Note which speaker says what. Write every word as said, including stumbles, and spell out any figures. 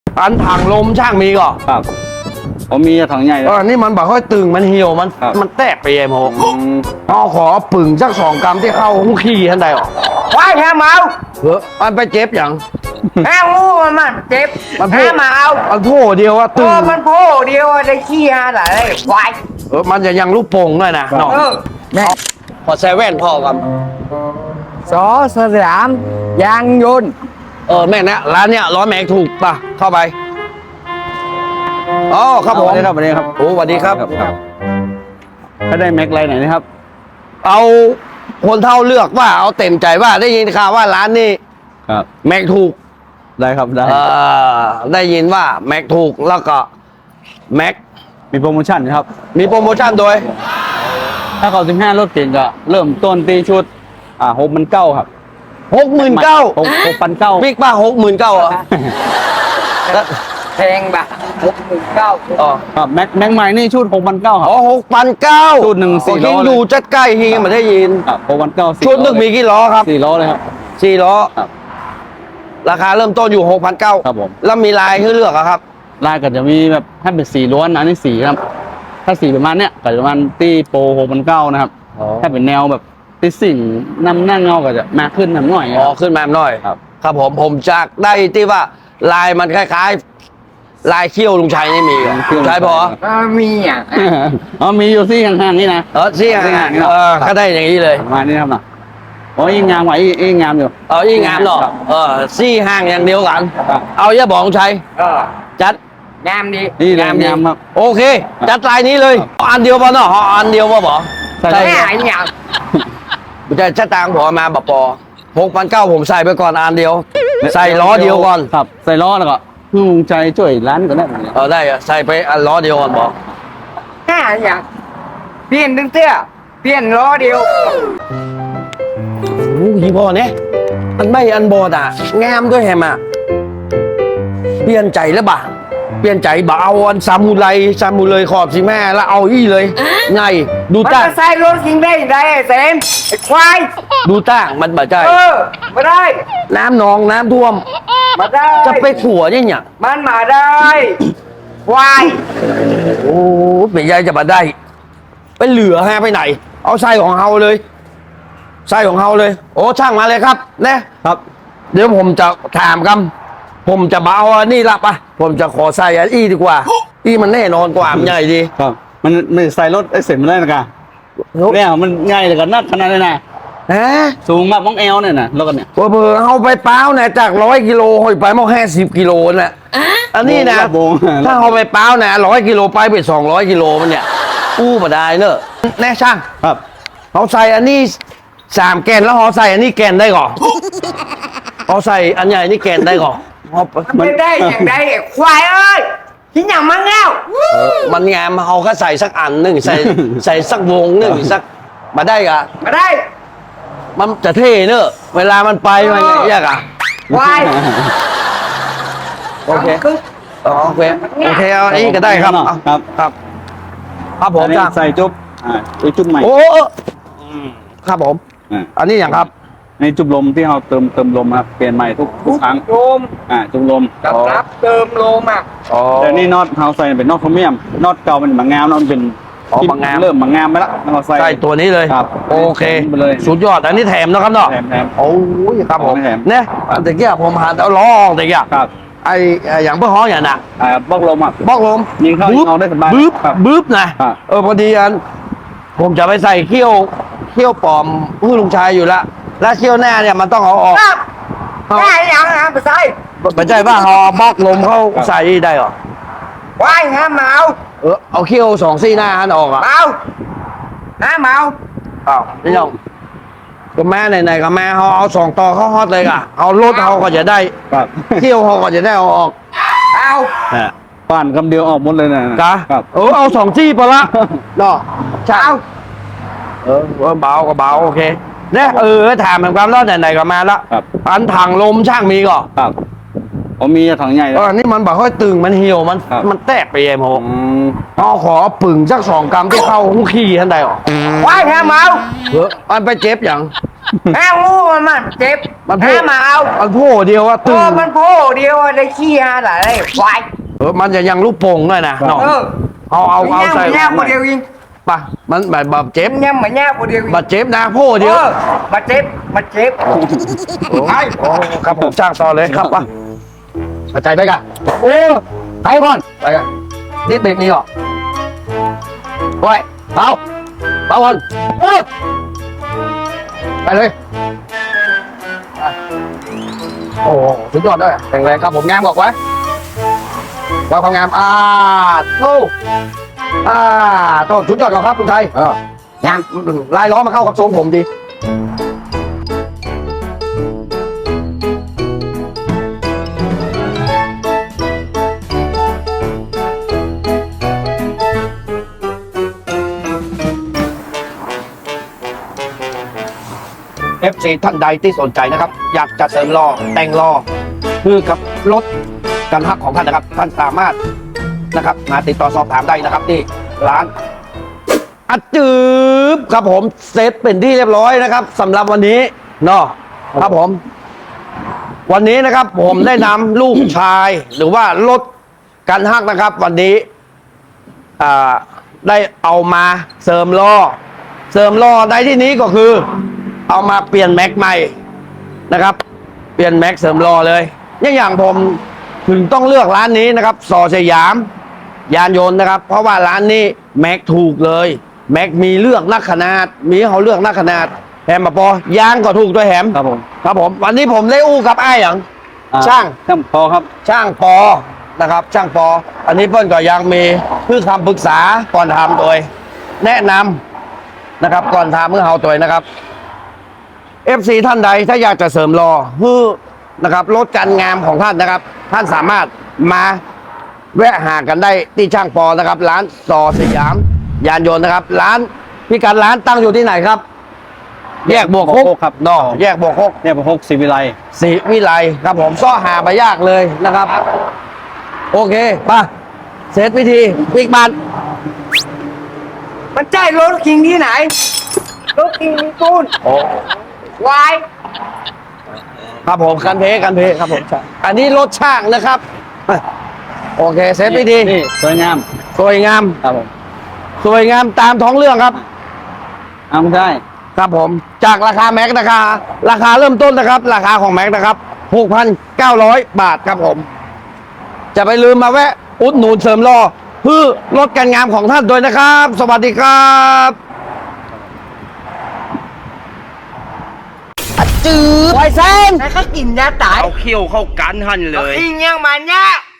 Speaker 1: อันถังลมช่างมีก่อน
Speaker 2: ครับผมมีถังใหญ่แล้ว
Speaker 1: อันนี้มันบอกค่อยตึงมันเหี่ยวมันมันแตกไปเองผมเอาขอปึ่งสักสองกรัมที่เข้าหุ้งขี้ท่านใดออก
Speaker 3: ควายแค่เมา
Speaker 1: เออมันไปเจ็บอย่าง
Speaker 3: แค่งูมันมันเจ็บ
Speaker 1: มันโผ
Speaker 3: แค่มาเอา
Speaker 1: มันโผล่เดียวว่า
Speaker 3: เอ
Speaker 1: ตึง
Speaker 3: อมันโผล่เดียวได้ขี้ฮะไหนควาย
Speaker 1: เออมันจะยังลูกโป่งด้วยนะน้อง
Speaker 3: เออ
Speaker 1: ขอแซเว่นพ่อครับ
Speaker 3: สอสยามยางยนต์
Speaker 1: เออแม่นะร้านเนี้ยร้อยแม็กถูกป่ะเข้าไปอ๋อครับผม
Speaker 2: สวัสดีครับสวัสดีครับ
Speaker 1: โอ้สวัสดีครับ
Speaker 2: ถ้าได้แม็กไลน์ไหนนะครับ
Speaker 1: เอาคนเท่าเลือกว่าเอาเต็มใจว่าได้ยินข่าวว่าร้านนี้
Speaker 2: ครับ
Speaker 1: แม็กถูก
Speaker 2: ได้ครับได้
Speaker 1: เออได้ยินว่าแม็กถูกแล้วก็แม็ก
Speaker 2: มีโปรโมชั่นนะครับ
Speaker 1: มีโปรโมชั่นโดย
Speaker 2: ถ้าเขาสิบห้ารถเก่งก็เริ่มต้นตีชุดอ่าหกพันเก้าครับ
Speaker 1: หกหมื่นเก้า
Speaker 2: หกหกพันเก้า
Speaker 1: บิ๊กป้าหกหมื่นเก้าอ่ะแล้ว
Speaker 3: แพงแบบหกหมื่นเก้า
Speaker 1: อ๋อ
Speaker 2: ครับแม็กแม็กใหม่นี่ชุดหกพันเก้าครับ
Speaker 1: อ๋อหกพันเก้า
Speaker 2: ชุดหนึ่งสี่ล้อเลย
Speaker 1: ดูจัดใกล้ฮีมาได้ยิน
Speaker 2: ครับหกพันเก้า
Speaker 1: ชุดหนึ่งมีกี่ล้อครับ
Speaker 2: สี่ล้อเลยครับ
Speaker 1: สี่ล้อ
Speaker 2: ครับ
Speaker 1: ราคาเริ่มต้นอยู่หกพันเก้า
Speaker 2: ครับผม
Speaker 1: แล้วมีลายให้เลือกอะครับ
Speaker 2: ลายก็จะมีแบบถ้าเป็นสีล้วนอันนี้สีครับ ถ้าสีประมาณเนี้ยก็จะประมาณตีโปรหกพันเก้านะครับ
Speaker 1: อ๋อ
Speaker 2: ถ้าเป็นแนวแบบตีสิ่งนำหน้าเงาก็จะมากขึ้นหน่อยค
Speaker 1: อ๋อ
Speaker 2: รับ
Speaker 1: ขึ้นมาหน่อย
Speaker 2: ครับ
Speaker 1: ครับผมผมจากได้ที่ว่าลายมันคล้ายๆ ลายเขี้ยวลุงชัยนี่มีเหรอลุงชัยพอ
Speaker 3: มีอ่ะ
Speaker 2: อ๋อมีอยู่ที่ห่างๆนี่นะ
Speaker 1: เออซี่ห่างๆเออก็ได้อย่างนี้เลย
Speaker 2: ประมาณนี้ครับนะโอ้ยงามกว่าอีอีงามอยู่
Speaker 1: เออยิ่งงามเนาะ
Speaker 2: ครับ
Speaker 1: เออซี่ห่างอย่างเดียวกัน
Speaker 2: ครับ
Speaker 1: เอาอย่าบอกลุงชัย
Speaker 3: เออ
Speaker 1: จัด
Speaker 3: งามดี
Speaker 2: นี่เลย
Speaker 1: งามดี
Speaker 2: งามครับ
Speaker 1: โอเค จัดลายนี้เลยเอาอันเดียวพอเนาะเอาอันเดียวพอบอก
Speaker 2: ใส่
Speaker 3: แค่
Speaker 2: ได้
Speaker 3: ไหนอย่าง
Speaker 1: จะชะตางผมเอามาบปอหกพันเก้าผมใส่ไปก่อนอันเดียว ใส่ล้อเดียวก่อน
Speaker 2: ครับใส่ล้อแล้วก็พึ่งใจช่วยร้านก็ได้แบบนี้
Speaker 1: เออได้อะใส่ไปอันล้อเดียวก่อนบอก
Speaker 3: แค่อย่างเปลี่ยนตั้งเตื้อเปลี่ยนล้อเดียว
Speaker 1: โอ้ยพ่อเนี่ยอันไม่อันบอดอ่ะงามด้วยแฮมอ่ะเปลี่ยนใจแล้วบ่ะเปลี่ยนใจบ่เอาอันซามูไรซามูเลยขอบสิแม่แล้วเอาอี้เลยไงดู
Speaker 3: มัน
Speaker 1: ตั้ง
Speaker 3: จะใส่รถกินได้ยังไงไอ้เซมไอ้ควาย
Speaker 1: ดูตั้งมันบ่ใจ
Speaker 3: เออมาได้
Speaker 1: น้ำนองน้ำท่วม
Speaker 3: มาได้
Speaker 1: จะไปขัวยังเนี่ย
Speaker 3: มันมาได้ควาย
Speaker 1: โอ้เป็นยายจะมาได้ ไปเหลือฮะไปไหน เอาไส้ของเฮาเลยไส้ของเฮาเลย โอ้ช่างมาเลยครับนะครับ เดี๋ยวผมจะถามกันผมจะเบาอันนี้ละปะผมจะขอใส่อันอี้ดีกว่า อี้มันแน่นอนกว่ามันใหญ่ดี
Speaker 2: ครับมันมันใส่รถไอ้เสร็จมันได้นะกะเนี่ยมันง่ายเลยกันนักขนาดนี้นะ
Speaker 1: ฮะ
Speaker 2: สูงมากมองเอวเนี่ยนะรถกันเนี่ย
Speaker 1: เบอร์เอาไปเป้าเนี่ยจากร้อยกิโลหอยไปมาแค่สิบกิโลน่ะอันนี้นะ
Speaker 2: โบง
Speaker 1: ถ้าเอาไปเป้านะร้อยกิโลไปไปสองร้อยกิโลมันเนี่ยอู้มาได้เนอะแน่ช่าง
Speaker 2: ครับ
Speaker 1: เขาใส่อันนี้สามแกนแล้วเขาใส่อันนี้แกนได้ก่อนเขาใส่อันใหญ่นี่แกนได้ก่อนเอา
Speaker 3: มันไม่ได้อย่างใดไอ้ควายเอ้ยที่อย่างมันแล้ว
Speaker 1: เออมันงามเขาก็ใส่สักอันหนึ่งใส่ใส่สักวงหนึ่งสักมาได้กะ
Speaker 3: มาได้
Speaker 1: มันจะเท่เนอะเวลามันไปมันไงยากอะ
Speaker 3: ควาย
Speaker 1: โอเค
Speaker 3: คือ
Speaker 1: อ๋อโอเคโอเคเอาอันนี้ก็ได้ครับเอา
Speaker 2: ครับ
Speaker 1: ครับครับผม
Speaker 2: อันนี้
Speaker 1: จ้า
Speaker 2: ใส่จุ๊บอ่าไอ้จุ๊บใหม่
Speaker 1: โอ้ครับผม
Speaker 2: อ่า
Speaker 1: อันนี้อย่างครับ
Speaker 2: ในจุ๊บลมที่เราเติมเติมลมครับเปลี่ยนใหม่ทุกทุกครั้ง
Speaker 3: โยม
Speaker 2: อ่าจุ๊บลม
Speaker 3: กับรับเติมโลมอ่ะ
Speaker 1: อ๋อ
Speaker 2: แต่นี่น็อตเราใส่เป็นน็อตโครเมียมน็อตเก่ามันบางงามน็อตเป็น
Speaker 1: อ๋อบางงาม
Speaker 2: เริ่มบางงามไปแล้วเราใส่
Speaker 1: ใส่ตัวนี้เลย
Speaker 2: ครับ
Speaker 1: โอเค
Speaker 2: ไปเลย
Speaker 1: สุดยอดอันนี้แถมนะครับเนาะ
Speaker 2: แถมแถม
Speaker 1: โอ้ยครับผม
Speaker 2: แถม
Speaker 1: เนี่ยแต่เกี้ยผมหาเอาล้อออกแต่เกี้ย
Speaker 2: ครับ
Speaker 1: ไอ้ไอ้อย่างเพื่อฮ้องอย่างน่ะ
Speaker 2: อ่าบล็อกลมอ่ะ
Speaker 1: บอกลม
Speaker 2: ยิงเข้ายิงออกได้สบาย
Speaker 1: บึ๊บ
Speaker 2: ครับ
Speaker 1: บึ๊บนะครับ เออพอดีอันผมจะไปใส่เขี้ยวเขี้ยวปลอมผู้ลุงชายอยู่ละแล้วเขี้ยวหน้าเนี่ยมันต้องเอาออก
Speaker 3: ครับได้ยังนะไปใส่
Speaker 1: ไม่ใช่ว่าเอาบล็อกลมเข้าใส่ได้หรอ
Speaker 3: ควายฮะเมา
Speaker 1: เออเอาเขี้ยวสองซี่หน้าหันออกอ่ะ
Speaker 3: เมาฮะเมา
Speaker 1: อ้าวนี่น้องก็แม่ไหนๆก็แม่เขาเอาสองต่อเข้าฮอตเลยอ่ะเอารถเขาก็จะได้
Speaker 2: ครับ
Speaker 1: เขี้ยวเขาก็จะได้เอาออก
Speaker 3: เอา
Speaker 2: ป่านคำเดียวออกหมดเลยนะ
Speaker 1: กะ
Speaker 2: ครับ
Speaker 1: เออเอาสองซี่ไปละเนาะใช่
Speaker 3: เอา
Speaker 1: เออเออเบาก็เบาโอเคเนี่ยเออถามเหมือนกันแล้วไหนๆก็มาละ
Speaker 2: ครับ
Speaker 1: อันถังลมช่างมีก่อน
Speaker 2: ครับผมมีถังใหญ่
Speaker 1: เอ
Speaker 2: แล้ว
Speaker 1: อนี่มันบอกค่อยตึงมันเหี่ยวมัน
Speaker 2: ครับ
Speaker 1: มันแตกไปเองผม
Speaker 2: อืม
Speaker 1: เอาขอปึ่งสักสองกรัมที่เข้าหุ้งขี้ท่านใดออก
Speaker 3: ควายฮะเมา
Speaker 1: เออมันไปเจ็บอย่าง
Speaker 3: แแม่งูมันมันเจ็บ
Speaker 1: มันโผ
Speaker 3: แม่มาเอา
Speaker 1: มันโผล่เดียวว่า
Speaker 3: เอ
Speaker 1: ตึง
Speaker 3: อมันโผล่เดียวอะได้ขี้ฮะหลายควาย
Speaker 1: เออมันจะยังลูกโป่งด้วยนะเนาะ
Speaker 3: เออ
Speaker 1: เอาเอาเอาใส่
Speaker 3: แง่คนเดียวยิง
Speaker 1: ปะมันแบบแบบเจ็บ
Speaker 3: แง่เหมือนแง่คนเดียวยิง
Speaker 1: บาดเจ็บนะโผล่เดียว
Speaker 3: ออมาเจ็บมาเจ็บ
Speaker 1: ไอ้โอ้ครับผมจ้างต่อเลยครับปะเข้าใจไหมกัน
Speaker 2: โอ้ไปก่อน
Speaker 1: ไปกันนี่ติดนี่หรอไว้เอาเอาก่อนเออไปเลยไปโอ้โหสุดยอดด้วยแข็งแรงครับผมงามบอกไว้ไว้ความงามอ่าโอ้อ่าโตสุดยอดก่อนครับคุณไทยเอองามลายล้อมาเข้ากับทรงผมดี เอฟ ซี ท่านใดที่สนใจนะครับ อยากจะเสริมล้อแต่งล้อคือกับรถกันหักของท่านนะครับ ท่านสามารถนะครับมาติดต่อสอบถามได้นะครับที่ร้านอัดจืบครับผมเซตเป็นที่เรียบร้อยนะครับสำหรับวันนี้เนาะครับผม วันนี้นะครับ ผมได้นำลูกชาย หรือว่ารถกันหักนะครับ วันนี้อ่าได้เอามาเสริมล้อเสริมล้อในที่นี้ก็คือ เอามาเปลี่ยนแม็กใหม่นะครับ เปลี่ยนแม็กเสริมล้อเลยอย่างอย่างผมถึงต้องเลือกร้านนี้นะครับสอสยาม ยานยนต์นะครับ เพราะว่าร้านนี้แม็กถูกเลย แม็กมีเลือกนักขนาด มีให้เขาเลือกนักขนาดแฮมมาปอยางก็ถูกด้วยแฮม
Speaker 2: ครับผม
Speaker 1: ครับผม วันนี้ผมได้อู้กับไอ้ายอย่าง
Speaker 2: อ่
Speaker 1: ช่าง
Speaker 2: ช่างพอครับ
Speaker 1: ช่างปอนะครับ ช่างปอ อันนี้เพิ่นก็ยังมีเพื่อคำปรึกษาก่อนทำโดย แนะนำนะครับ ก่อนทำเมื่อเฮาตัวนะครับ เอฟ ซี ท่านใดถ้าอยากจะเสริมรอฮือนะครับลดการงามของท่านนะครับ ท่านสามารถมาแวะหากันได้ที่ช่างปอนะครับ ร้านสอสยาม ยานยนต์นะครับ ร้านพิกัดร้านตั้งอยู่ที่ไหนครับ แยกบวก
Speaker 2: บวก
Speaker 1: ห
Speaker 2: ห
Speaker 1: ก
Speaker 2: กครับ
Speaker 1: เนอะแยกบวกหก
Speaker 2: เนี่ยผมหกสิวิไล
Speaker 1: ศรีวิไลครับผมซ่อหาไปยากเลยนะครับ โอเคป่ะเสร็จวิธีปิกบัน
Speaker 3: มันใช่รถคิงที่ไหนรถคิงมีปูน
Speaker 1: โอ้
Speaker 3: ควาย
Speaker 1: ครับผมกันเพกันเพครับผมอันนี้รถช่างนะครับ โอเคเสร็จวิธี
Speaker 2: นี่สวยงาม
Speaker 1: สวยงาม
Speaker 2: ครับผม
Speaker 1: สวยงามตามท้องเรื่องครับ
Speaker 2: เอาไม่ได้
Speaker 1: ครับผมจากราคาแม็กราคาราคาเริ่มต้นนะครับ ราคาของแม็กนะครับ หกพันเก้าร้อย บาทครับผม จะไปลืมมาแวะ อุดหนุนเสริมล้อเพื่อลดการงามของท่านด้วยนะครับ สวัสดีครับจืดไวเซน
Speaker 3: แล้วก็กินยาตาย
Speaker 1: เอาเขี้ยวเข้ากันหันเลย
Speaker 3: อิงยังมันเนี่ย